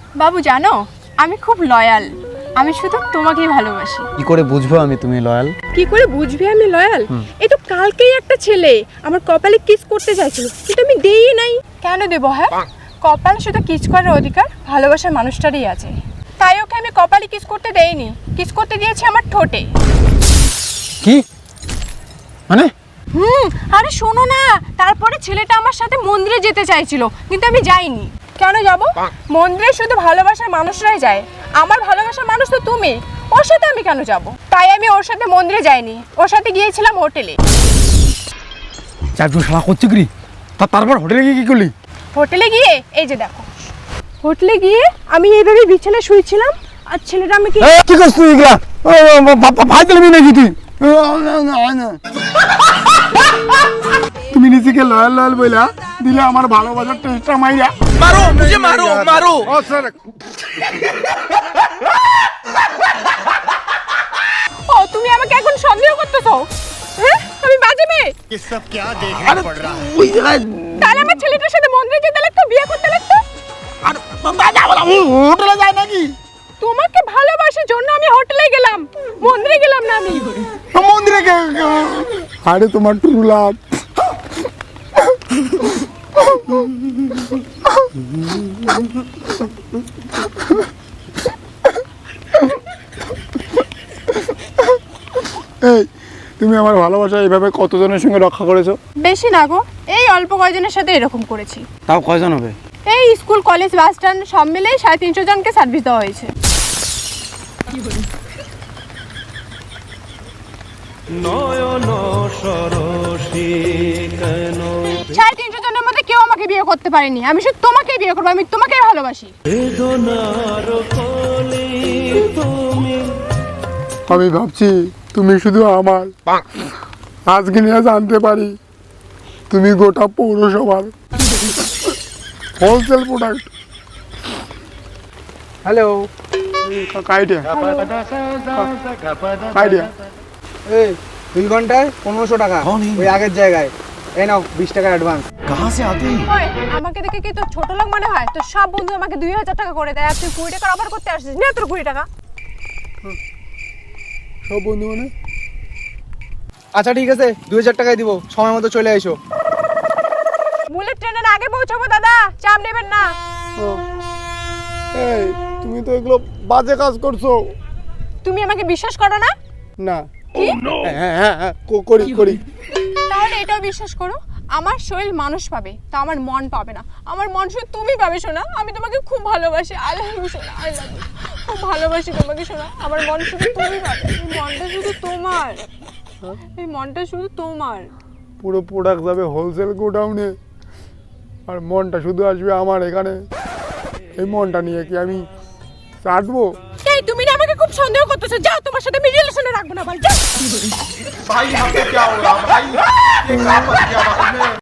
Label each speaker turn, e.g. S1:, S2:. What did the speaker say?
S1: বাবু জানো, আমি খুব লয়াল। আমি শুধু তোমাকেই ভালোবাসি।
S2: কি করে বুঝবো আমি তুমি লয়াল?
S1: কি করে বুঝবি আমি লয়াল? এই তো কালকেই একটা ছেলে আমার কপালে কিস করতে চাইছিল, কিন্তু আমি দেই নাই। কেন দেব? হ্যাঁ, কপালে শুধু কিস করার অধিকার ভালোবাসার মানুষটারই আছে, তাই ওকে আমি কপালে কিস করতে দেইনি। কিস করতে দিয়েছি আমার ঠোঁটে।
S2: কি মানে?
S1: আরে শোনো না, তারপরে ছেলেটা আমার সাথে মন্দিরে যেতে চাইছিল, কিন্তু আমি যাইনি। কেন যাব? মন্দিরে শুধু ভালোবাসার মানুষরাই যায়, আমার ভালোবাসার মানুষ তো তুমি। ওর সাথে আমি কেন যাব? তাই আমি ওর সাথে মন্দিরে যাইনি, ওর সাথে গিয়েছিলাম হোটেলে।
S2: চারজন শালা করছে কি? তারপর হোটেলে গিয়ে কি করলি?
S1: হোটেলে গিয়ে এই যে দেখো, হোটেলে গিয়ে আমি এইভাবে বিছানায় শুয়েছিলাম, আর ছেলেটা আমাকে
S2: কি করছিস তুই এগুলা? ভাই দিলবি নাকি তুই? তুমি নিজেকে লয়াল লয়াল বইলা দিলে আমার ভালোবাসার টেস্টটা মাইরা।
S3: मारो मुझे, मारो मारो।
S1: ও তুমি আমাকে এখন সন্দেহ করতেছো? হ্যাঁ, আমি বাজে মেয়ে?
S4: ये सब क्या देखना पड़ रहा है?
S2: ওই জায়গায়
S1: তাহলে আমার ছেলেটার সাথে মন্দিরে যেতে লাগতো, বিয়ে করতে লাগতো।
S2: আর হোটেলে যায় নাকি?
S1: তোমাকে ভালোবাসার জন্য আমি হোটেলে গেলাম, মন্দিরে গেলাম না আমি।
S2: মন্দিরে আরে তোমার ট্রু লাভ। এই তুমি আমার ভালোবাসা এইভাবে কতজনের সঙ্গে রক্ষা করেছো?
S1: বেশি না গো, এই অল্প কয়জনের সাথে এরকম করেছি।
S2: তাও কয়জন হবে?
S1: এই স্কুল, কলেজ, বাস স্ট্যান্ড সব মিলেই 350 জনকে সার্ভিস দেওয়া হয়েছে। 350 জনের মধ্যে কেউ আমাকে বিয়ে করতে পারেনি। আমি শুধু তোমাকেই বিয়ে করবো, আমি তোমাকেই ভালোবাসি।
S2: আমি ভাবছি তুমি শুধু আমার, আজকে নিয়ে জানতে পারি তুমি গোটা পৌরসভার হোলসেল প্রোডাক্ট। হ্যালো কাইডিয়া কাইডিয়া।
S5: এই 2 ঘন্টায় 1500 টাকা ওই আগের জায়গায়। এই নাও 20 টাকা অ্যাডভান্স।
S3: कहाँ से आते हैं?
S1: ওই, আমাকে দেখে কি তোর ছোট লোক মনে হয়? তোর সব বন্ধু আমাকে 2000 টাকা করে দেয়, আর তুই 20 টাকার অফার করতে আসছিস না? তোর 20 টাকা
S2: সব বন্ধু মানে?
S5: আচ্ছা ঠিক আছে 2000 টাকাই দিব, সময় মতো চলে আইসো।
S1: বুলেট ট্রেনের আগে পৌঁছাবো দাদা, চাপ নেবেন না।
S2: এই তুমি তো এগুলো বাজে কাজ করছো।
S1: তুমি আমাকে বিশ্বাস করো না?
S2: না
S1: কি?
S2: হ্যাঁ হ্যাঁ হ্যাঁ করি করি।
S1: তাহলে এটাও বিশ্বাস করো, আমার শরীর মানুষ পাবে, তা আমার মন পাবে না। আমার মন শুধু তুমি পাবে শোনা। আমি তোমাকে খুব ভালোবাসি, আই লাভ ইউ শোনা, আই লাভ ইউ। খুব ভালোবাসি তোমাকে শোনা। আমার মন শুধু তুমি পাবে, এই মনটা শুধু তোমার, এই মনটা শুধু তোমার।
S2: পুরো প্রোডাক্ট যাবে হোলসেল গোডাউনে, আর মনটা শুধু আসবে আমার এখানে। এই মনটা নিয়ে কি আমি চাটবো?
S1: এই তুমি না আমাকে খুব সন্দেহ করতেছো, যাও, তোমার সাথে আমি রিলেশনে রাখবো না, ভাই যাও।
S3: भाई यहाँ पे क्या हो रहा भाई? ये क्या बच गया?